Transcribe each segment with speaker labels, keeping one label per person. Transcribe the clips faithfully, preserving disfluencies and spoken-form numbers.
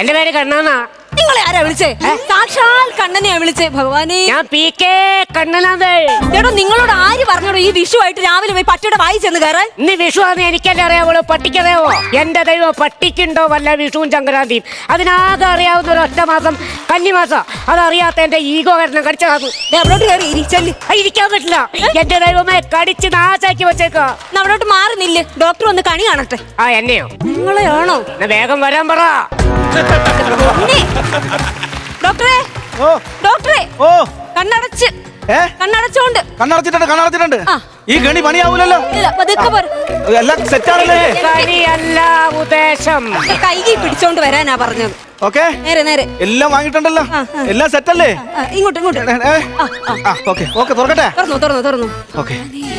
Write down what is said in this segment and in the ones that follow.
Speaker 1: എന്റെ പേര് കണ്ണനാ.
Speaker 2: നിങ്ങളെ ആരാ വിളിച്ചേ? സാക്ഷാൽ കണ്ണനെയാ വിളിച്ചേ. ഭഗവാനെ,
Speaker 1: ഞാൻ പി കെ കണ്ണനാണ്.
Speaker 2: ചേട്ടോ, നിങ്ങളോട് ആര് പറഞ്ഞോടോ ഈ വിഷു ആയിട്ട് രാവിലെ പോയി പട്ടിയുടെ വായി ചെന്ന് കയറാൻ?
Speaker 1: ഇന്ന് വിഷു ആണെന്ന് എനിക്കല്ലേ അറിയാവുള്ളൂ, പട്ടിക്കറിയാവോ? എന്റെ ദൈവം, പട്ടിക്കുണ്ടോ വല്ല വിഷുവും സംക്രാന്തിയും? അതിനാകെ അറിയാവുന്ന ഒരു ഒറ്റ മാസം കന്നിമാസം. അതറിയാത്ത എന്റെ ഈഗോ കാരണം കടിച്ചതാണ്.
Speaker 2: അവിടോട്ട് കയറി ഇരിച്ചല്ലേ?
Speaker 1: ഇരിക്കാൻ പറ്റില്ല. എന്റെ ദൈവമേ, കടിച്ച് നാശാക്കി വെച്ചേക്കാ.
Speaker 2: അവിടോട്ട് മാറുന്നില്ലേ? ഡോക്ടർ ഒന്ന് കണി കാണട്ടെ.
Speaker 1: ആ, എന്നെയോ?
Speaker 2: നിങ്ങളെയാണോ?
Speaker 1: വേഗം വരാൻ പറ.
Speaker 2: ഡോക്ടറെ,
Speaker 3: ഓ
Speaker 2: ഡോക്ടറെ,
Speaker 3: ഓ
Speaker 2: കണ്ണടച്ച് കണ്ണടച്ചോണ്ട്
Speaker 3: കണ്ണടച്ചിട്ടുണ്ട് കണ്ണടച്ചിട്ടുണ്ട്. ഈ ഗണി പണിയാവൂലല്ലോ.
Speaker 2: ഇല്ല, പതുക്കെ പോര്.
Speaker 3: എല്ലാം സെറ്റാണല്ലേ?
Speaker 1: കളിയല്ല ഉദ്ദേശം.
Speaker 2: കൈകി പിടിച്ചോണ്ട് വരാനാ പറഞ്ഞത്.
Speaker 3: ഓക്കെ,
Speaker 2: നേരെ നേരെ
Speaker 3: എല്ലാം വാങ്ങിയിട്ടുണ്ടല്ലോ. എല്ലാം സെറ്റല്ലേ?
Speaker 2: ആ, ഇങ്ങോട്ട് ഇങ്ങോട്ട്.
Speaker 3: ഓക്കെ ഓക്കെ, തുറക്കട്ടെ.
Speaker 2: തുറന്നു തുറന്നു തുറന്നു.
Speaker 3: ഓക്കെ,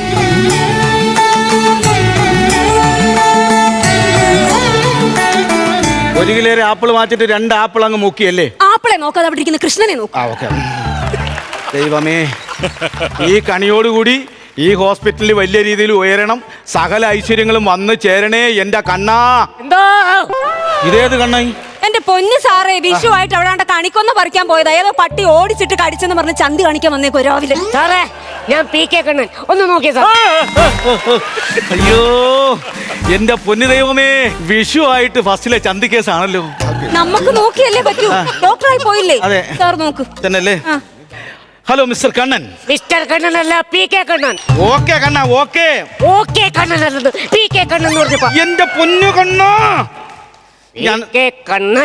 Speaker 3: ഒരു കിലോ ആപ്പിൾ മാറ്റിട്ട് രണ്ട് ആപ്പിൾ അങ്ങ് മുക്കിയല്ലേ?
Speaker 2: ആപ്പിളെ നോക്കാതെ അവിടെ ഇരിക്കുന്ന കൃഷ്ണനെ നോക്കും.
Speaker 3: ആ ഓക്കെ. ദൈവമേ, ഈ കണിയോടുകൂടി ഈ ഹോസ്പിറ്റലിൽ വലിയ രീതിയിൽ ഉയരണം, സകല ഐശ്വര്യങ്ങളും വന്ന് ചേരണേ എന്റെ കണ്ണാ.
Speaker 1: എന്തോ
Speaker 3: ഇതേത് കണ്ണായി?
Speaker 2: എന്റെ പൊന്നു സാറേ, വിഷു ആയിട്ട് അവിടെ കണിക്കൊന്ന പറിക്കാൻ പോയത്. ഏതോ പട്ടി ഓടിച്ചിട്ട് കടിച്ചെന്ന് പറഞ്ഞ് ചന്തി കാണിക്കാൻ വന്നേക്കോ രാവിലെ.
Speaker 1: സാറേ, ഞാൻ പി കെ കണ്ണൻ. ഒന്ന് നോക്കിയ സാർ.
Speaker 3: അയ്യോ എന്റെ പൊന്നു ദൈവമേ, വിഷു ആയിട്ട് ഫസ്റ്റിലെ ചന്തി കേസാണല്ലോ.
Speaker 2: നമുക്ക് നോക്കിയല്ലേ പറ്റൂ. ഡോക്ടറായി പോയില്ലേ?
Speaker 3: അതെ
Speaker 2: സാർ നോക്ക്
Speaker 3: തന്നെയല്ലേ. Hello mister Kannan.
Speaker 1: Mister Kannan അല്ല, പി കെ കണ്ണൻ.
Speaker 3: ഓക്കെ കണ്ണ, ഓക്കെ
Speaker 1: ഓക്കെ കണ്ണൻ അല്ലത്, പി കെ കണ്ണൻ എന്ന് പറഞ്ഞപ്പോ.
Speaker 3: എന്റെ പൊന്നു കണ്ണ,
Speaker 1: ഞാൻ K Kannan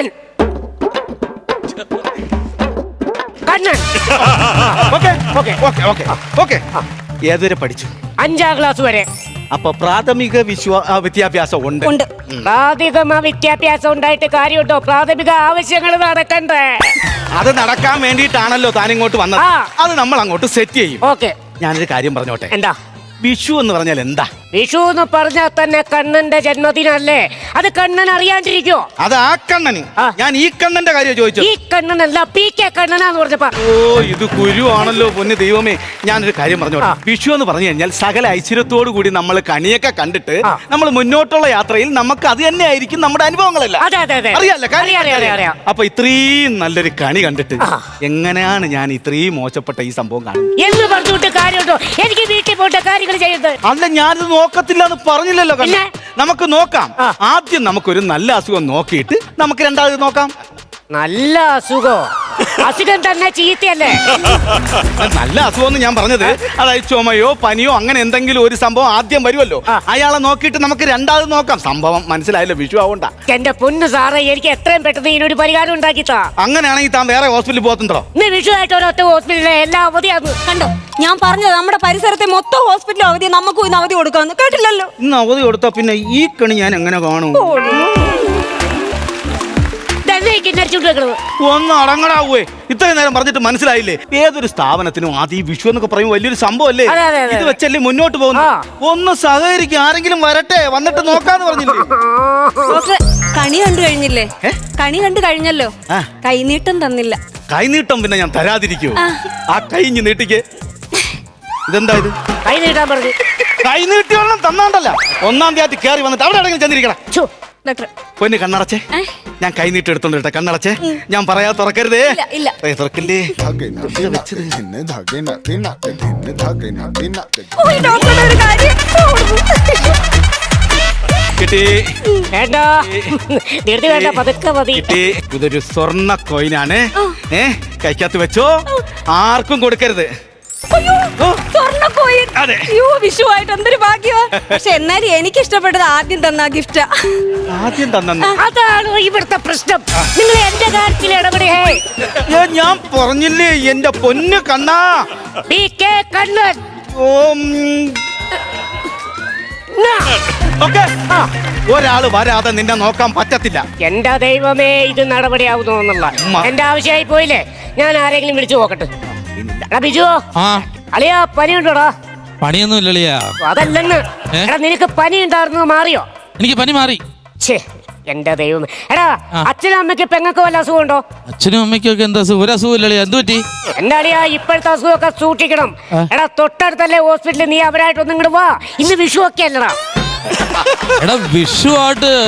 Speaker 1: Kannan.
Speaker 3: Okay okay okay okay okay. ഏതുവരെ പഠിച്ചു?
Speaker 1: അഞ്ചാം ക്ലാസ് വരെ.
Speaker 3: അപ്പൊ പ്രാഥമിക വിശ്വാ വിദ്യാഭ്യാസം ഉണ്ട്.
Speaker 2: ഉണ്ട്.
Speaker 1: പ്രാഥമിക വിദ്യാഭ്യാസം ഉണ്ടായിട്ട് കാര്യമുണ്ടോ? പ്രാഥമിക ആവശ്യങ്ങൾ നടക്കണ്ടേ?
Speaker 3: അത് നടക്കാൻ വേണ്ടിയിട്ടാണല്ലോ താൻ ഇങ്ങോട്ട് വന്നത്.
Speaker 1: ആ.
Speaker 3: അത് നമ്മൾ അങ്ങോട്ട് സെറ്റ് ചെയ്യും.
Speaker 1: ഓക്കെ.
Speaker 3: ഞാനൊരു കാര്യം പറഞ്ഞോട്ടെ.
Speaker 1: എന്താ?
Speaker 3: വിഷു എന്ന് പറഞ്ഞാൽ എന്താ?
Speaker 1: വിഷു എന്ന് പറഞ്ഞാൽ തന്നെ കണ്ണന്റെ ജന്മദിനല്ലേ? അത് കണ്ണൻ അറിയാണ്ടിരിക്കോ?
Speaker 3: അത് ആ കണ്ണന്.
Speaker 1: ആ.
Speaker 3: ഞാൻ ഈ കണ്ണന്റെ കാര്യം ചോദിച്ചു.
Speaker 1: ഈ കണ്ണനല്ല, പി കെ കണ്ണനാന്ന് പറഞ്ഞപ്പോ.
Speaker 3: ഓ, ഇത് കുരു ആണല്ലോ പൊന്ന് ദൈവമേ. ഞാനൊരു കാര്യം പറഞ്ഞോട്ടെ. വിഷു എന്ന് പറഞ്ഞു കഴിഞ്ഞാൽ സകല ഐശ്വര്യത്തോടു കൂടി നമ്മൾ കണിയൊക്കെ കണ്ടിട്ട് നമ്മൾ മുന്നോട്ടുള്ള യാത്രയിൽ നമുക്ക് അത് തന്നെ ആയിരിക്കും നമ്മുടെ അനുഭവങ്ങളല്ല.
Speaker 1: അതെ അതെ അതെ,
Speaker 3: അറിയാലോ
Speaker 1: അറിയാം അറിയാം അറിയാം.
Speaker 3: അപ്പൊ ഇത്രയും നല്ലൊരു കണി കണ്ടിട്ട് എങ്ങനെയാണ് ഞാൻ ഇത്രയും മോശപ്പെട്ട ഈ സംഭവം കാണുന്നത്
Speaker 1: എന്ന് പറഞ്ഞിട്ട് കാര്യമുണ്ടോ? എനിക്ക് വീട്ടിൽ പോയിട്ട് കാര്യങ്ങൾ ചെയ്യരുത്.
Speaker 3: അല്ല, ഞാനിത് നോക്കത്തില്ല എന്ന് പറഞ്ഞില്ലല്ലോ.
Speaker 1: പിന്നെ?
Speaker 3: നമുക്ക് നോക്കാം. ആദ്യം നമുക്കൊരു നല്ല അസുഖം നോക്കിയിട്ട് നമുക്ക് രണ്ടാമത് നോക്കാം.
Speaker 1: നല്ല അസുഖോ? അസുഖം തന്നെ ചീത്തയല്ലേ?
Speaker 3: നല്ല അസുഖം ഞാൻ പറഞ്ഞത് അതായത് ചുമയോ പനിയോ അങ്ങനെ എന്തെങ്കിലും ഒരു സംഭവം ആദ്യം വരുമല്ലോ, അയാളെ നോക്കിയിട്ട് നമുക്ക് രണ്ടാമത് നോക്കാം. സംഭവം മനസ്സിലായല്ലോ? വിഷു ആവണ്ട.
Speaker 1: എന്റെ പൊന്നു സാറേ, എനിക്ക് എത്രയും പെട്ടെന്ന് ഇതിനൊരു പരിഹാരം ഉണ്ടാക്കിത്താ.
Speaker 3: അങ്ങനെയാണെങ്കിൽ താൻ വേറെ ഹോസ്പിറ്റലിൽ പോകത്തുണ്ടോ?
Speaker 1: ഇന്ന് വിഷു ആയിട്ട് ഒരൊറ്റ ഹോസ്പിറ്റലിലെ എല്ലാ അവധിയാണ്.
Speaker 2: കണ്ടോ, ഞാൻ പറഞ്ഞത് നമ്മുടെ പരിസരത്തെ മൊത്തം ഹോസ്പിറ്റൽ അവധി, നമുക്കും ഇന്ന് അവധി കൊടുക്കാന്ന് കേട്ടില്ലല്ലോ.
Speaker 3: ഇന്ന് അവധി കൊടുത്താ പിന്നെ ഈ കണി ഞാൻ എങ്ങനെ കാണും? ഒന്ന് അടങ്ങടാവേ. ഇത്രയും നേരം പറഞ്ഞിട്ട് മനസ്സിലായില്ലേ? ഏതൊരു സ്ഥാപനത്തിനും ആദ്യം വിഷു എന്നൊക്കെ പറയും വലിയൊരു സംഭവം അല്ലേ? ഇത് വെച്ചല്ലേ മുന്നോട്ട് പോകുന്നു. ഒന്ന് സഹകരിക്കും. ആരെങ്കിലും വരട്ടെ, വന്നിട്ട് നോക്കാന്ന് പറഞ്ഞില്ലേ?
Speaker 2: കണി കണ്ടു കഴിഞ്ഞില്ലേ? കണി കണ്ടു കഴിഞ്ഞല്ലോ. കൈനീട്ടം തന്നില്ല.
Speaker 3: കൈനീട്ടം പിന്നെ ഞാൻ തരാതിരിക്കൂ? ആ കൈഞ്ഞ് നീട്ടിക്ക്. ഇതെന്താ ഇത്?
Speaker 1: കൈ നീട്ടാൻ പറഞ്ഞു.
Speaker 3: കൈ നീട്ടിയോളം തന്നാണ്ടല്ല. ഒന്നാം തീയതി കയറി വന്നിട്ട് അവിടെ എവിടെയെങ്കിലും ചെന്നിരിക്കണം. പൊന്ന് കണ്ണടച്ചേ, ഞാൻ കൈ നീട്ടി എടുത്തോണ്ടിട്ടെ. കണ്ണടച്ചേ, ഞാൻ പറയാ തുറക്കരുതേ. തുറക്കില്ലേ? കിട്ടി. കിട്ടി. ഇതൊരു സ്വർണ്ണ കോയിനാണ്. ഏ കൈക്കകത്ത് വെച്ചോ, ആർക്കും കൊടുക്കരുത്.
Speaker 2: വിഷുവായിട്ട് എന്തൊരു ഭാഗ്യവാ. പക്ഷെ എന്നാലും എനിക്ക് ഇഷ്ടപ്പെട്ടത് ആദ്യം തന്ന ഗിഫ്റ്റാ.
Speaker 3: ആദ്യം തന്നെ
Speaker 1: അതാണ് ഇവിടുത്തെ പ്രശ്നം. നിങ്ങൾ എന്റെ കാര്യത്തിൽ ഇടപെടേ.
Speaker 3: ഞാൻ പറഞ്ഞില്ലേ എന്റെ പൊന്ന് കണ്ണാ.
Speaker 1: P K Kannan.
Speaker 3: ഒരാള് വരാതെ നിന്നെ നോക്കാൻ പറ്റത്തില്ല.
Speaker 1: എന്റെ ദൈവമേ, ഇത് നടപടിയാവുന്നോന്നുള്ള എന്റെ ആവശ്യമായി പോയില്ലേ? ഞാൻ ആരെങ്കിലും വിളിച്ചു നോക്കട്ടെ. ബിജു, അളിയാ പനി ഉണ്ടോടാ?
Speaker 4: പണിയൊന്നും ഇല്ലളിയാ.
Speaker 1: അതല്ലെന്ന്. എടാ, നിനക്ക് പനി ഉണ്ടായിരുന്നു, മാറിയോ?
Speaker 4: എനിക്ക് പനി മാറി.
Speaker 1: എന്റെ ദൈവമേ. എടാ, അച്ഛനും അമ്മയ്ക്ക് പെങ്ങൾക്ക് വല്ല അസുഖം ഉണ്ടോ?
Speaker 4: അച്ഛനും അമ്മയ്ക്കും ഒക്കെ എന്താ ഒരു അസുഖം ഇല്ലളിയാ. എന്ത് പറ്റി?
Speaker 1: എന്റെ അളിയാ, ഇപ്പോഴത്തെ അസുഖമൊക്കെ സൂക്ഷിക്കണം. എടാ, തൊട്ടടുത്തല്ലേ ഹോസ്പിറ്റലിൽ, നീ അവരായിട്ടൊന്നും ഇങ്ങോട്ട് വാ. ഇന്ന് വിഷു ഒക്കെ അല്ലടാ.
Speaker 4: എടാ, വിഷു ആയിട്ട്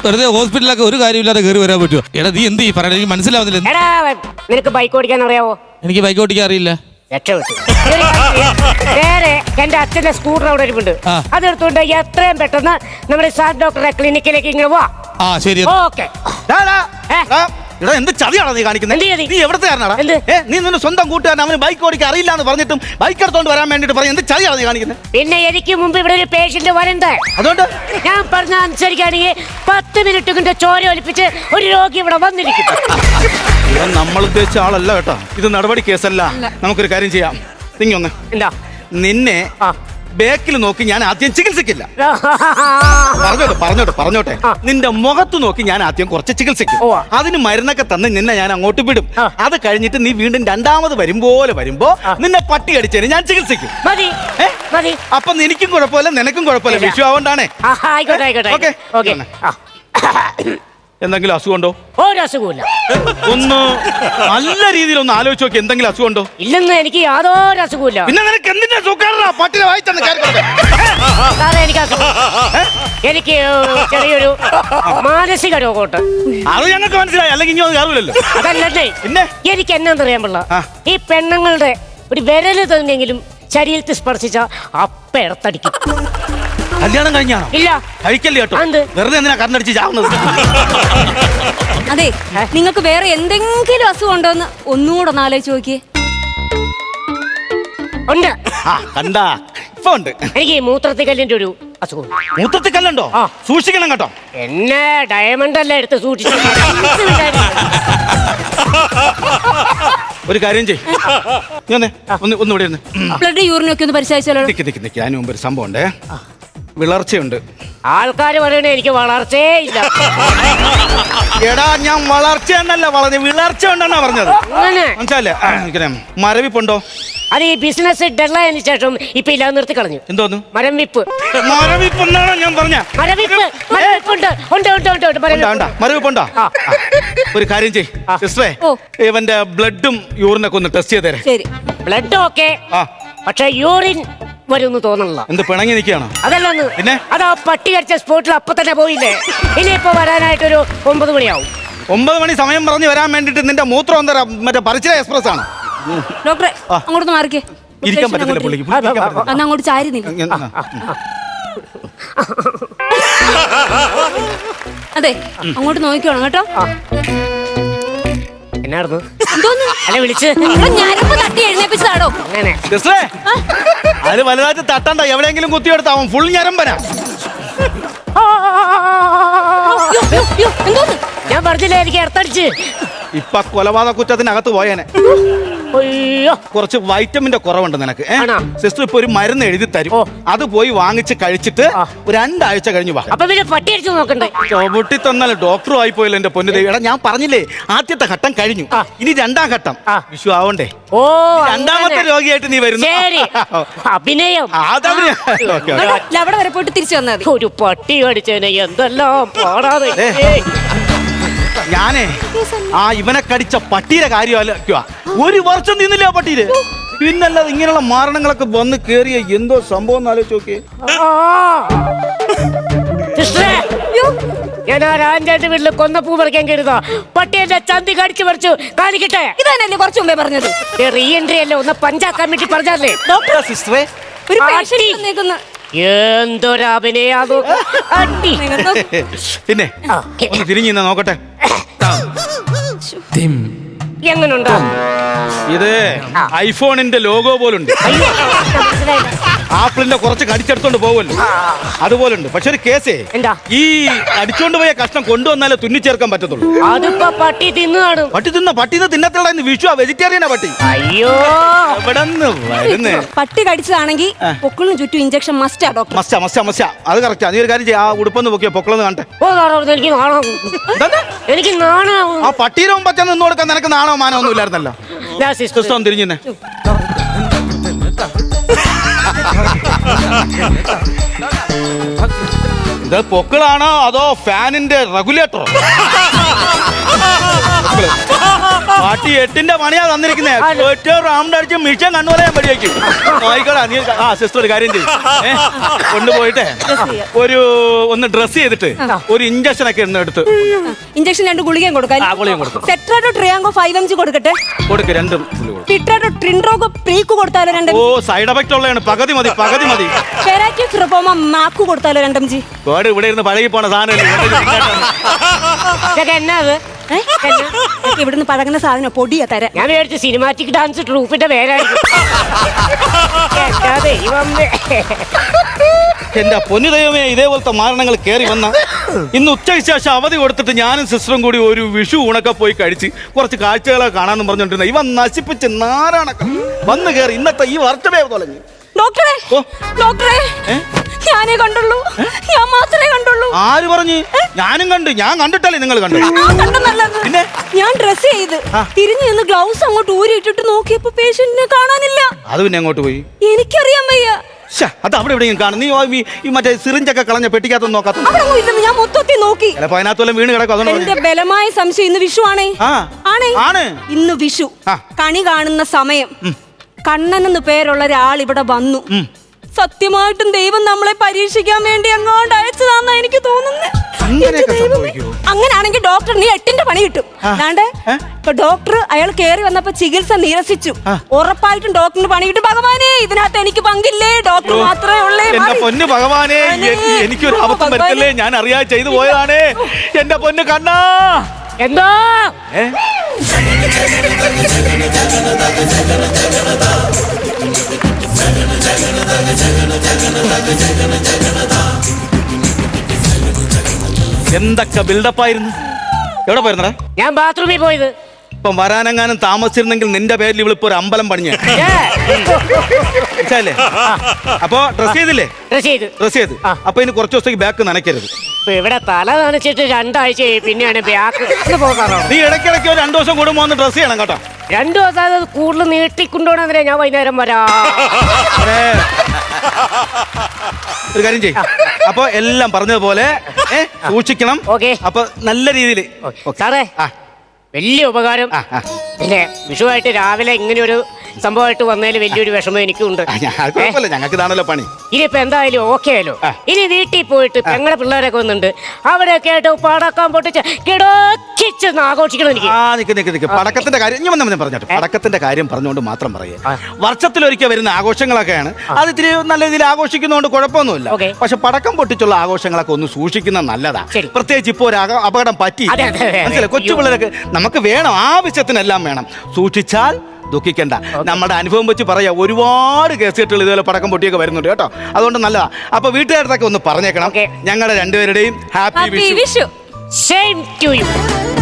Speaker 4: വെറുതെ ഹോസ്പിറ്റലിലൊക്കെ ഒരു കാര്യമില്ലാതെ കയറി വരാൻ പറ്റുമോ? എടാ നീ എന്ത് ഈ പറയണ? എനിക്ക് മനസ്സിലാവുന്നില്ല.
Speaker 1: എടാ നിനക്ക് ബൈക്ക് ഓടിക്കാൻ അറിയാവോ?
Speaker 4: എനിക്ക് ബൈക്ക് ഓടിക്കാൻ അറിയില്ല.
Speaker 1: രക്ഷപ്പെട്ടു. ഇതൊരു കാര്യം ചെയ്യ്. നേരെ എന്റെ അച്ഛന്റെ സ്കൂട്ടർ അവിടെ ഇരിപ്പുണ്ട്.
Speaker 4: ആ.
Speaker 1: അതെടുത്തുകൊണ്ട് എത്രയും പെട്ടെന്ന് നമ്മുടെ സാർ ഡോക്ടറെ ക്ലിനിക്കിലേക്ക് ഇങ്ങനെ വാ.
Speaker 4: ആ ശരി.
Speaker 1: ഓക്കെ.
Speaker 3: ഡാ, ഡാ,
Speaker 1: ഏ?
Speaker 3: ഡാ, എടാ എന്ത് ചതിയാണോ നീ കാണിക്കുന്നത്?
Speaker 1: എന്ത് ചതി?
Speaker 3: നീ എവിടത്തെ കാരണടാ?
Speaker 1: എന്ത്?
Speaker 3: ഏ നീ നിന്റെ സ്വന്തം കൂട്ടുകാരൻ അവന് ബൈക്ക് ഓടിക്കാൻ അറിയില്ല എന്ന് പറഞ്ഞിട്ടും ബൈക്ക് എടുത്തോണ്ട് വരാൻ വേണ്ടിട്ട് പറയും. എന്ത് ചതിയാണോ നീ കാണിക്കുന്നത്?
Speaker 1: പിന്നെ എനിക്ക് മുമ്പ് ഇവിടെ ഒരു പേഷ്യന്റ് വരണ്ടേ?
Speaker 3: അതുകൊണ്ട്
Speaker 1: ഞാൻ പറഞ്ഞ അനുസരിക്കുകയാണെങ്കിൽ പത്ത് മിനിറ്റ് കൊണ്ട് ചോര ഒലിപ്പിച്ച് ഒരു രോഗി ഇവിടെ വന്നിരിക്കും.
Speaker 3: ഇവൻ നമ്മൾ ഉദ്ദേശിച്ച ആളല്ല കേട്ടോ. ഇത് നടപടി കേസല്ല. നമുക്കൊരു കാര്യം ചെയ്യാം. നീ ഒന്ന്
Speaker 1: എന്താ
Speaker 3: നിന്നെ
Speaker 1: ആ.
Speaker 3: ബേക്കിൽ നോക്കി ഞാൻ ആദ്യം ചികിത്സിക്കില്ല. പറഞ്ഞോട്ടെ പറഞ്ഞോട്ടെ പറഞ്ഞോട്ടെ
Speaker 1: ആ.
Speaker 3: നിന്റെ മുഖത്ത് നോക്കി ഞാൻ ആദ്യം കുറച്ച് ചികിത്സിക്കും.
Speaker 1: ഉവ്വ.
Speaker 3: അതിന് മരുന്നൊക്കെ തന്ന് നിന്നെ ഞാൻ അങ്ങോട്ട് വിടും.
Speaker 1: ആ.
Speaker 3: അത് കഴിഞ്ഞിട്ട് നീ വീണ്ടും രണ്ടാമത് വരുമ്പോലെ വരുമ്പോ നിന്നെ പട്ടി അടിച്ചതിന് ഞാൻ ചികിത്സിക്കും.
Speaker 1: മതി
Speaker 3: ഏ?
Speaker 1: മതി.
Speaker 3: അപ്പൊ എനിക്കും കുഴപ്പമില്ല നിനക്കും കുഴപ്പമില്ല.
Speaker 1: ഇല്ല.
Speaker 3: വിഷു ആവണ്ടാണേ.
Speaker 1: ആ, ആയിക്കോട്ടെ ആയിക്കോട്ടെ
Speaker 3: ഓക്കേ.
Speaker 1: ഓക്കെ. ആ.
Speaker 3: എന്തെങ്കിലും അസുഖമുണ്ടോ?
Speaker 1: ഒരു അസുഖമില്ല.
Speaker 3: ഒന്ന് നല്ല രീതിയിൽ ഒന്ന് ആലോചിച്ച് നോക്കി. എന്തെങ്കിലും അസുഖമുണ്ടോ?
Speaker 1: ഇല്ലെന്ന് എനിക്ക് യാതൊരു അസുഖമില്ല.
Speaker 3: പിന്നെ നിനക്ക് എന്തിനാ സുഖാറാ പട്ടിനെ വായിച്ചെന്ന് കേൾക്കട്ടെ.
Speaker 1: സാറേ എനിക്ക് അസുഖം. എനിക്ക് ചെറിയൊരു മാനസിക രോഗമുണ്ട്.
Speaker 3: അത് ഞങ്ങൾക്ക് മനസ്സിലായി. അല്ലെങ്കിൽ ഇനി അത് കയറില്ലല്ലോ.
Speaker 1: അതല്ലേ
Speaker 3: പിന്നെ
Speaker 1: എനിക്ക് എന്നാന്നറിയാൻ പാടില്ല.
Speaker 3: ആ.
Speaker 1: ഈ പെണ്ണുങ്ങളുടെ ഒരു വിരല് തന്നെങ്കിലും ശരീരത്തിൽ സ്പർശിച്ച അപ്പ ഇടത്തടിക്കും.
Speaker 3: കല്യാണം കഴിഞ്ഞാണോ?
Speaker 1: ഇല്ല.
Speaker 3: കഴിക്കല്ലേ കേട്ടോ.
Speaker 1: എന്ത്?
Speaker 3: വെറുതെ എന്തിനാ കണ്ണടിച്ച് ചാവുന്നത്?
Speaker 2: അതെ, നിങ്ങൾക്ക് വേറെ എന്തെങ്കിലും അസുഖം ഉണ്ടോ എന്ന് ഒന്നുകൂടെ ഒന്ന് ആലോചിച്ച് നോക്കിയേ.
Speaker 1: ഉണ്ട്.
Speaker 3: ആ കണ്ടാ ഇപ്പൊ ഉണ്ട്.
Speaker 1: എനിക്ക് മൂത്രത്തിൽ കല്ലിന്റെ ഒരു അസുഖം.
Speaker 3: മൂത്രത്തിൽ കല്ലുണ്ടോ?
Speaker 1: ആ.
Speaker 3: സൂക്ഷിക്കണം കേട്ടോ.
Speaker 1: എന്നെ ഡയമണ്ട് അല്ല എടുത്ത് സൂക്ഷിച്ചു.
Speaker 3: ഒരു കാര്യം ചെയ്. നീ വന്നേ. ഒന്ന് ഒന്ന് ഇവിടെ ഇരുന്ന്.
Speaker 2: ബ്ലഡ് യൂറിനൊക്കെ ഒന്ന് പരിശോധിച്ചാലോ?
Speaker 3: നിക്ക് നിക്ക് നിക്ക്. അതിന് മുമ്പ് ഒരു സംഭവം ഉണ്ടേ. വിളർച്ചയുണ്ട്.
Speaker 1: ആൾക്കാർ പറയണേ എനിക്ക് വളർച്ചയേ ഇല്ല.
Speaker 3: എടാ ഞാൻ വളർച്ച എന്നല്ല പറഞ്ഞത്, വിളർച്ച ഉണ്ടെന്നാ പറഞ്ഞത്.
Speaker 1: അങ്ങനെ
Speaker 3: മനസ്സിലല്ലേ? ഇങ്ങനെ മരവിപ്പുണ്ടോ?
Speaker 1: അത് ഈ ബിസിനസ് ഡെഡ്ലൈനു ശേഷം ഇപ്പൊ ഇല്ലാതെ നിർത്തി കളഞ്ഞു.
Speaker 3: എന്തോന്നു?
Speaker 1: മരം വിപ്പ്.
Speaker 3: മരവിപ്പെന്നാണോ ഞാൻ പറഞ്ഞ?
Speaker 1: മരവിപ്പ് മരവിപ്പുണ്ട്. ഉണ്ട് ഉണ്ട് ഉണ്ട് ഉണ്ട് മരവിപ്പ്.
Speaker 3: മരവിപ്പുണ്ടോ?
Speaker 1: ആ.
Speaker 3: ഒരു കാര്യം ചെയ് സിസ്റ്ററേ.
Speaker 2: ഓ.
Speaker 3: ഇവന്റെ ബ്ലഡും യൂറിനൊക്കെ ഒന്ന് ടെസ്റ്റ് ചെയ്തേരെ.
Speaker 2: ശരി.
Speaker 1: ബ്ലഡ് ഓക്കെ,
Speaker 3: ആ
Speaker 1: പക്ഷെ യൂറിൻ വരുമെന്ന് തോന്നണില്ല.
Speaker 3: എന്ത് പിണങ്ങി നിൽക്കുകയാണോ?
Speaker 1: അതല്ലെന്ന്.
Speaker 3: പിന്നെ?
Speaker 1: അതാ പട്ടി കടിച്ച സ്പോട്ടിൽ അപ്പൊ തന്നെ പോയില്ലേ. ഇനിയിപ്പോ വരാനായിട്ടൊരു ഒമ്പത് മണിയാവും.
Speaker 3: ഒമ്പത് മണി സമയം പറഞ്ഞ് വരാൻ വേണ്ടിട്ട് നിന്റെ മൂത്രം എന്താ മറ്റേ പരിചയ എക്സ്പ്രസ് ആണ്.
Speaker 2: ഡോക്ടറെ അങ്ങോട്ട് മാറിക്കേ.
Speaker 3: ഇരിക്കാൻ പറ്റത്തില്ല പുള്ളിക്ക്. പുള്ളിക്ക് ഇരിക്കാൻ പറ്റത്തില്ല.
Speaker 2: അന്ന് അങ്ങോട്ട് ചാരി നില്ല.
Speaker 3: ഇങ്ങനെ, ആ.
Speaker 2: അതെ, അങ്ങോട്ട് നോക്കിക്കോണം കേട്ടോ.
Speaker 1: എന്നായിരുന്നു
Speaker 2: എന്തോന്ന്?
Speaker 1: അല്ലെ വിളിച്ച്
Speaker 2: നിങ്ങളെ ഞരമ്പ് തട്ടി എഴുന്നേപ്പിച്ചതാടോ.
Speaker 1: അങ്ങനെ.
Speaker 3: സിസ്റ്ററേ, അത് വലുതായിട്ട് തട്ടണ്ട. എവിടെയെങ്കിലും കുത്തിയെടുത്താവും. ഫുൾ ഞരമ്പനാ.
Speaker 2: യ്യോ, യ്യോ, യ്യോ, എന്തോന്ന്?
Speaker 1: ഞാൻ പറഞ്ഞില്ലേ എനിക്ക് ഇടത്തടിച്ച്.
Speaker 3: ഇപ്പൊ കൊലപാതക കുറ്റത്തിനകത്ത് പോയേനെ.
Speaker 1: അയ്യോ.
Speaker 3: കുറച്ച് വൈറ്റമിന്റെ കുറവുണ്ട് നിനക്ക്.
Speaker 1: ആണോ?
Speaker 3: സിസ്റ്റർ ഇപ്പൊ ഒരു മരുന്ന് എഴുതി തരും.
Speaker 1: ഓ.
Speaker 3: അത് പോയി വാങ്ങിച്ച് കഴിച്ചിട്ട്
Speaker 1: ആ.
Speaker 3: ഒരു രണ്ടാഴ്ച കഴിഞ്ഞു വാ.
Speaker 1: അപ്പൊ പിന്നെ പട്ടി അടിച്ചു നോക്കണ്ടേ?
Speaker 3: ചവിട്ടി തന്നാലും ഡോക്ടറും ആയി പോയല്ലോ എന്റെ പൊന്നു ദേവി. എടാ ഞാൻ പറഞ്ഞില്ലേ ആദ്യത്തെ ഘട്ടം കഴിഞ്ഞു.
Speaker 1: ആ.
Speaker 3: ഇനി രണ്ടാം ഘട്ടം.
Speaker 1: ആ.
Speaker 3: വിഷു ആവണ്ടേ?
Speaker 1: ഓ
Speaker 3: രണ്ടാമത്തെ
Speaker 1: അങ്ങനെ.
Speaker 3: രോഗിയായിട്ട് നീ വരുന്നു.
Speaker 1: ശരി. അഭിനയം.
Speaker 3: അതവര് ഓക്കെ
Speaker 2: ഇവിടെ ഇല്ല, അവിടെ വരെ പോയിട്ട് തിരിച്ചു വന്നാൽ മതി.
Speaker 1: ഒരു പട്ടി കടിച്ചേനെ എന്തെല്ലാം പാടാതെ.
Speaker 3: ഏ. ഞാനേ ആ ഇവനെ കടിച്ച പട്ടിയുടെ കാര്യം ആലോചിക്കുക. ഒരു വർഷം നിന്നില്ല ആ പട്ടിയില്. പിന്നല്ലാതെ ഇങ്ങനെയുള്ള മാരണങ്ങളൊക്കെ വന്ന് കേറിയ എന്തോ സംഭവം എന്ന് ആലോചിച്ച് നോക്കിയേ.
Speaker 1: ഞാൻ ആ രാജാന്റെ വീട്ടില് കൊന്നപ്പൂ പറിക്കാൻ കരുതാ. പട്ടി എന്റെ ചന്തി കടിച്ചു പറിച്ചു. കാണിക്കട്ടെ.
Speaker 2: ഇതന്നെയല്ലേ കുറച്ചു മുമ്പേ പറഞ്ഞത്?
Speaker 1: റീ എൻട്രി അല്ലേ, ഒന്ന് പഞ്ചാക്കാൻ വേണ്ടി പറഞ്ഞല്ലേ.
Speaker 3: ഡോക്ടർ സിസ്റ്ററെ
Speaker 2: ഒരു
Speaker 1: ആ,
Speaker 2: പേഷ്യന്റ്
Speaker 1: അടി.
Speaker 2: വന്നേക്കുന്നു.
Speaker 1: എന്തൊരഭിനയാതു അടി.
Speaker 3: പിന്നെ ഒന്ന് തിരിഞ്ഞു നിന്നാ നോക്കട്ടെ.
Speaker 1: എങ്ങനുണ്ടോ?
Speaker 3: ഇത് ഐഫോണിന്റെ ലോഗോ പോലുണ്ട്.
Speaker 1: അയ്യോ, മനസ്സിലായില്ല.
Speaker 3: ആപ്പിളിന്റെ കുറച്ച് കടിച്ചെടുത്തോണ്ട് പോകുമല്ലോ അതുപോലുണ്ട്. പക്ഷെ ഒരു കേസേ,
Speaker 1: എന്താ?
Speaker 3: ഈ അടിച്ചോണ്ട് പോയ കഷ്ണം കൊണ്ടുവന്നാലേ തുന്നിച്ചേർക്കാൻ പറ്റത്തുള്ളൂ.
Speaker 1: അതിപ്പോ പട്ടി തിന്നു കാണും.
Speaker 3: പട്ടി തിന്ന പട്ടി തിന്നത്തുള്ള വിഷു വെജിറ്റേറിയനാ പട്ടി.
Speaker 1: അയ്യോ,
Speaker 3: എവിടെന്ന് വരുന്നേ?
Speaker 2: പട്ടി കടിച്ചതാണെങ്കിൽ പൊക്കിളിന് ചുറ്റും ഇഞ്ചക്ഷൻ മസ്റ്റാ ഡോക്ടർ.
Speaker 3: മസ്റ്റാ മസ്റ്റാ മസ്റ്റാ അത് കറക്റ്റാ. നീ ഒരു കാര്യം ചെയ്യാം, ആ ഉടുപ്പൊന്ന് പൊക്കിയോ പൊക്കളൊന്ന് കാണട്ടെ.
Speaker 1: ഓ നാണോ, എനിക്ക് നാണോ,
Speaker 3: എന്താണ്?
Speaker 1: എനിക്ക് നാണാവും.
Speaker 3: ആ പട്ടീരെ മുമ്പ് ചെന്ന് നിന്ന് കൊടുക്കാൻ നിനക്ക് നാണോ മാനോ ഒന്നും ഇല്ലായിരുന്നല്ലോ.
Speaker 1: ഞാൻ സിസ്റ്റർ
Speaker 3: ക്രിസ്തു തിരിഞ്ഞേ. ഇത് പൊക്കിളാണോ അതോ ഫാനിന്റെ റെഗുലേറ്ററോ? പാട്ടി എട്ടിന്റെ പണിയാ തന്നിരിക്കുന്നേ ഒറ്റ റൗണ്ട് അടിച്ച് മിഷൻ കണ്ണുപോലെ ഞാൻ പടിയാക്കി നോയിക്കോടാ നീ. ആ സിസ്റ്റർ ഒരു കാര്യം ചെയ്യും കൊണ്ടുപോയിട്ടെ ഒരു ഒന്ന് ഡ്രസ് ചെയ്തിട്ട് ഒരു ഇഞ്ചക്ഷൻ ഒക്കെ ഇന്ന് എടുത്ത്
Speaker 2: ഇഞ്ചക്ഷൻ രണ്ട് ഗുളികയും കൊടുക്കാം.
Speaker 3: ആ ഗുളികയും കൊടുക്കും.
Speaker 2: സെട്രാഡോ ട്രിയാങ്കോ ഫൈവ് എം ജി കൊടുക്കട്ടെ.
Speaker 3: കൊടുക്ക് രണ്ടും ഗുളിക കൊടുക്ക്.
Speaker 2: പിട്രാഡോ ട്രിൻഡ്രോഗോ പ്രീക്ക് കൊടുത്താലോ രണ്ട്.
Speaker 3: ഓ സൈഡ് എഫക്റ്റ് ഉള്ളതാണ് പകുതി മതി പകുതി മതി.
Speaker 2: ഫെറാക്കി ഫ്രിപ്പോമ മാക്ക് കൊടുത്താലോ രണ്ടും ജി.
Speaker 3: വേട് ഇവിടെ ഇരുന്ന് പഴകി പോണ സാധനം
Speaker 1: എന്നാ അത്?
Speaker 2: ഇവിടുന്ന് പഴകുന്ന സാധനം പൊടിയാ തരാം.
Speaker 1: ഞാൻ വിചാരിച്ചു സിനിമാറ്റിക് ഡാൻസ് ട്രൂപ്പിന്റെ പേരായിരിക്കും. എന്താ ദൈവമേ.
Speaker 3: എന്റെ പൊന്നു ദൈവമേ, ഇതേപോലത്തെ മാരണങ്ങൾ കയറി വന്ന ഇന്ന് ഉച്ചയ്ക്ക് ശേഷം അവധി കൊടുത്തിട്ട് ഞാനും സിസ്റ്ററും കൂടി ഒരു വിഷു ഊണൊക്കെ പോയി കഴിച്ച് കുറച്ച് കാഴ്ചകളെ കാണാമെന്ന് പറഞ്ഞോണ്ടിരുന്ന ഇവൻ നശിപ്പിച്ച് നാരാണക്ക വന്ന് കയറി ഇന്നത്തെ ഈ വർഷമേ തുടങ്ങി.
Speaker 2: ഡോക്ടറെ
Speaker 3: ഓ.
Speaker 2: ഡോക്ടറെ ഞാനേ കണ്ടുള്ളൂ, ഞാൻ മാത്രമേ കണ്ടുള്ളൂ.
Speaker 3: ആര് പറഞ്ഞു? ഞാനും കണ്ടു. ഞാൻ കണ്ടിട്ടല്ലേ നിങ്ങൾ കണ്ടു?
Speaker 2: പിന്നെ ഞാൻ ഡ്രസ് ചെയ്ത് തിരിഞ്ഞു നിന്ന് ഗ്ലൗസ് അങ്ങോട്ട് ഊരിയിട്ടിട്ട് നോക്കിയപ്പോ പേഷ്യന്റിനെ കാണാനില്ല.
Speaker 3: അത് പിന്നെ അങ്ങോട്ട് പോയി.
Speaker 2: എനിക്കറിയാൻ വയ്യ.
Speaker 3: അത് അവിടെ എവിടെയും കാണും. നീ ഈ- ഈ മറ്റേ സിറിഞ്ചൊക്കെ കളഞ്ഞ പെട്ടിക്കകത്തൊന്നും നോക്കാത്ത
Speaker 2: അവിടെ ഇല്ലെന്ന് ഞാൻ മൊത്തത്തിൽ നോക്കി.
Speaker 3: ചിലപ്പോ അതിനകത്തോളം വീണ് കിടക്കും. അതുകൊണ്ട്
Speaker 2: എന്റെ ബലമായ സംശയം ഇന്ന് വിഷു ആണേ.
Speaker 3: ആ.
Speaker 2: ആണേ
Speaker 3: ആണ്.
Speaker 2: ഇന്ന് വിഷു
Speaker 3: ആ.
Speaker 2: കണി കാണുന്ന സമയം കണ്ണൻ എന്ന് പേരുള്ള ഒരാൾ ഇവിടെ വന്നു. സത്യമായിട്ടും ദൈവം നമ്മളെ പരീക്ഷിക്കാൻ വേണ്ടി അങ്ങോട്ട് അയച്ചതാന്നാ എനിക്ക് തോന്നുന്നത്.
Speaker 3: അങ്ങനെയൊക്കെ സംഭവിക്കുമോ?
Speaker 2: അങ്ങനാണെങ്കിൽ ഡോക്ടർ നീ എട്ടിന്റെ പണി കിട്ടും. അതാണ്ട് ഇപ്പൊ ഡോക്ടർ അയാൾ കയറി വന്നപ്പോ ചികിത്സ നിരസിച്ചു. ഉറപ്പായിട്ടും ഡോക്ടറിന് പണി കിട്ടും. ഭഗവാനെ ഇതിനകത്ത് എനിക്ക് പങ്കില്ലേ, ഡോക്ടർ മാത്രമേ ഉള്ളേ.
Speaker 3: എന്റെ പൊന്ന് ഭഗവാനെ, എ- എനിക്കൊരു അബദ്ധം വരുത്തല്ലേ, ഞാൻ അറിയാതെ ചെയ്തു പോയതാണേ. എന്റെ പൊന്ന് കണ്ണാ.
Speaker 1: എന്തോ
Speaker 3: ഏ? എന്തൊക്കെ ബിൽഡപ്പായിരുന്നു. എവിടെ പോയിരുന്നടാ?
Speaker 1: ഞാൻ ബാത്റൂമിൽ പോയത്.
Speaker 3: ഇപ്പം വരാനെങ്ങാനും താമസിച്ചിരുന്നെങ്കിൽ നിന്റെ പേരിൽ ഇവളിപ്പോ ഒരു അമ്പലം പണിഞ്ഞ മനസ്സിലല്ലേ? അപ്പൊ ഡ്രസ് ചെയ്തില്ലേ?
Speaker 1: ഡ്രസ് ചെയ്ത്
Speaker 3: ഡ്രസ് ചെയ്ത് അപ്പൊ ഇനി കുറച്ച് ദിവസത്തേക്ക് ബാക്ക് നനയ്ക്കരുത്.
Speaker 1: ഇപ്പൊ ഇവിടെ തല നനച്ചിട്ട് രണ്ടാഴ്ച പിന്നെയാണ് ബാക്ക് പോകാറോ.
Speaker 3: നീ ഇടയ്ക്കിടയ്ക്ക് ഒരു രണ്ടു ദിവസം കൂടുമ്പോ ഒന്ന് ഡ്രസ് ചെയ്യണം കേട്ടോ.
Speaker 1: രണ്ടു ദിവസം അത് കൂടുതൽ നീട്ടിക്കൊണ്ടുപോകണമെന്നേ ഞാൻ വൈകുന്നേരം വരാ.
Speaker 3: ഏ, ഒരു കാര്യം ചെയ്യും. അപ്പൊ എല്ലാം പറഞ്ഞതുപോലെ ഏ, സൂക്ഷിക്കണം.
Speaker 1: ഓക്കേ.
Speaker 3: അപ്പൊ നല്ല രീതിയിൽ
Speaker 1: സാറേ
Speaker 3: ആ
Speaker 1: വലിയ ഉപകാരം.
Speaker 3: ആ, ആ.
Speaker 1: പിന്നെ വിഷുവായിട്ട് രാവിലെ ഇങ്ങനെ ഒരു സംഭവമായിട്ട് വന്നതിൽ വലിയൊരു വിഷമം എനിക്കുണ്ട്.
Speaker 3: ആ, ഞാൻ- അത് കുഴപ്പമില്ല, ഞങ്ങൾക്ക് ഇതാണല്ലോ പണി.
Speaker 1: ഇനിയിപ്പോ എന്തായാലും ഓക്കെ ആയാലോ.
Speaker 3: ആ.
Speaker 1: ഇനി വീട്ടിൽ പോയിട്ട് പെങ്ങളെ പിള്ളേരൊക്കെ വന്നിട്ടുണ്ട്, അവിടെയൊക്കെ ആയിട്ട് പടക്കം പൊട്ടിച്ച് കിടക്കിച്ചെന്ന് ആഘോഷിക്കണം എനിക്ക്.
Speaker 3: ആ നിക്ക് നിക്ക് നിക്ക് പടക്കത്തിന്റെ കാര്യം ഞാൻ വന്ന് പറഞ്ഞോട്ടെ. പടക്കത്തിന്റെ കാര്യം പറഞ്ഞുകൊണ്ട് മാത്രം പറയുക. വർഷത്തിലൊരിക്കൽ വരുന്ന ആഘോഷങ്ങളൊക്കെയാണ്. അത് ഇത്തിരി നല്ല രീതിയിൽ ആഘോഷിക്കുന്നതുകൊണ്ട് കുഴപ്പമൊന്നുമില്ല.
Speaker 1: ഓക്കേ.
Speaker 3: പക്ഷെ പടക്കം പൊട്ടിച്ചുള്ള ആഘോഷങ്ങളൊക്കെ ഒന്ന് സൂക്ഷിക്കുന്നത് നല്ലതാ.
Speaker 1: ശരി.
Speaker 3: പ്രത്യേകിച്ച് ഇപ്പോ ഒരു അക- അപകടം പറ്റി
Speaker 1: അതെ, അതെ, അതെ.
Speaker 3: മനസ്സിലായി. കൊച്ചു പിള്ളേരൊക്കെ നമുക്ക് വേണം, ആവശ്യത്തിനെല്ലാം വേണം. സൂക്ഷിച്ചാൽ ദുഃഖിക്കണ്ട. നമ്മുടെ അനുഭവം വെച്ച് പറയാ, ഒരുപാട് കേസുകെട്ടുകൾ ഇതുപോലെ പടക്കം പൊട്ടിയൊക്കെ വരുന്നുണ്ട് കേട്ടോ. അതുകൊണ്ട് നല്ലതാ. അപ്പൊ വീട്ടുകാരുടെ ഒന്ന് പറഞ്ഞേക്കണം,
Speaker 1: ഓക്കേ.
Speaker 3: ഞങ്ങളുടെ രണ്ടുപേരുടെയും happy
Speaker 2: happy
Speaker 3: Vishu.
Speaker 2: Vishu.
Speaker 1: Same to U.